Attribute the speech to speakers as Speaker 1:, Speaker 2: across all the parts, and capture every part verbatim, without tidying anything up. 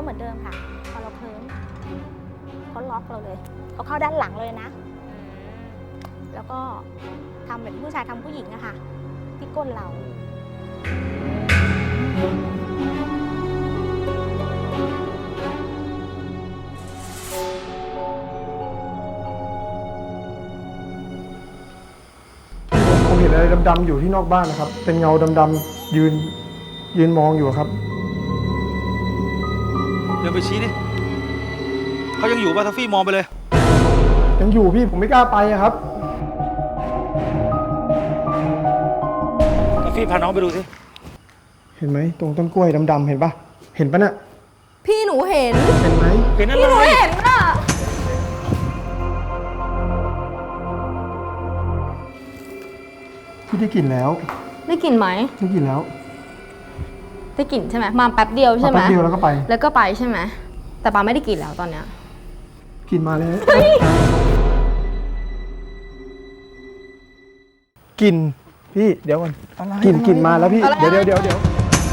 Speaker 1: เหมือนเดิมค่ะพอเราเคลิ้มเขาล็อกเราเลยเขาเข้าด้านหลังเลยนะ แล้วก็ทำเหมือนผู้ชายทำผู้หญิงอะค่ะที่ก้นเรา
Speaker 2: ผมเห็นอะไรดำๆอยู่ที่นอกบ้านนะครับ เป็นเงาดำๆยืนยืนมองอยู่ครับ
Speaker 3: เดินไปชี้ดิเขายังอยู่ป่ะทัฟฟี่มองไปเลย
Speaker 2: ยังอยู่พี่ผมไม่กล้าไปอะครับ
Speaker 3: ทัฟฟี่พาน้องไปดูสิ
Speaker 2: เห็นไหมตรงต้นกล้วยดำๆเห็นปะเห็นปะน่ะ
Speaker 4: พี่หนูเห็น
Speaker 2: เห็นไหม
Speaker 3: เห็นอะไร
Speaker 4: พี่หนูเห็นอ่ะ
Speaker 2: พี่ได้กลิ่นแล้ว
Speaker 4: ได้กลิ่นไหม
Speaker 2: ได้กลิ่นแล้ว
Speaker 4: ได้กลิ่นใช่ไหมมาแป๊บเดียวใช่ไหม
Speaker 2: แป๊บเดียวแล้วก็ไป
Speaker 4: แล้วก็ไปใช่ไหมแต่ปาไม่ได้กลิ่นแล้วตอนเนี้ย
Speaker 2: กลิ่นมาแล้วกลิ่นพี่เดี๋ยวก่อนกลิ่นกลิ่นมาแล้วพี่เดี๋ยวเดี๋ยวเดี๋ยวเดี๋ยว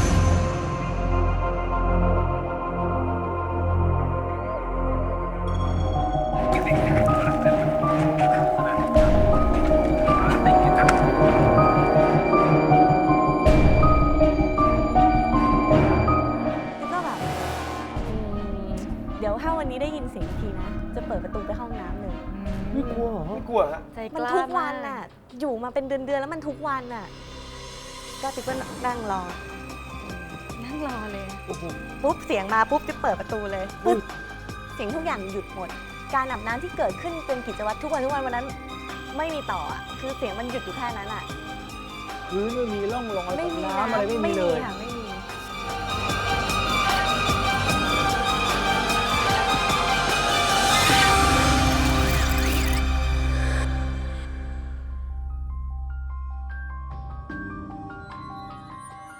Speaker 1: แล้วก็แบบอืมเดี๋ยวถ้าวันนี้ได้ยินเสียงอีกทีนะ จะเปิดประตูไปห้องน้ำเลย
Speaker 2: ไม่กลัวเหรอ
Speaker 3: ไม่กลัวฮะ
Speaker 5: ใจก
Speaker 1: มัน
Speaker 5: ล้า
Speaker 1: ทุกวัน
Speaker 5: มา
Speaker 1: น่ะ อยู่มาเป็นเดือนๆแล้วมันทุกวันน่ะ ก็ติ๊กก็นั่งรอ
Speaker 5: นั่งรอเลย
Speaker 1: ปุ๊บเสียงมาปุ๊บจะเปิดประตูเลยปุ๊บเสียงทุกอย่างหยุดหมด การอาบน้ำที่เกิดขึ้นเป็นกิจวัตรทุกวันทุกวันวันนั้น ไม่มีต่ออ่ะคือเสียงมันหยุดอยู่แค่นั้นอ่ะ
Speaker 3: พื้นไม่มีร่องรอย
Speaker 1: ไม่มี
Speaker 3: น้ำอะไรไม่มีเลย
Speaker 1: ค่ะไม่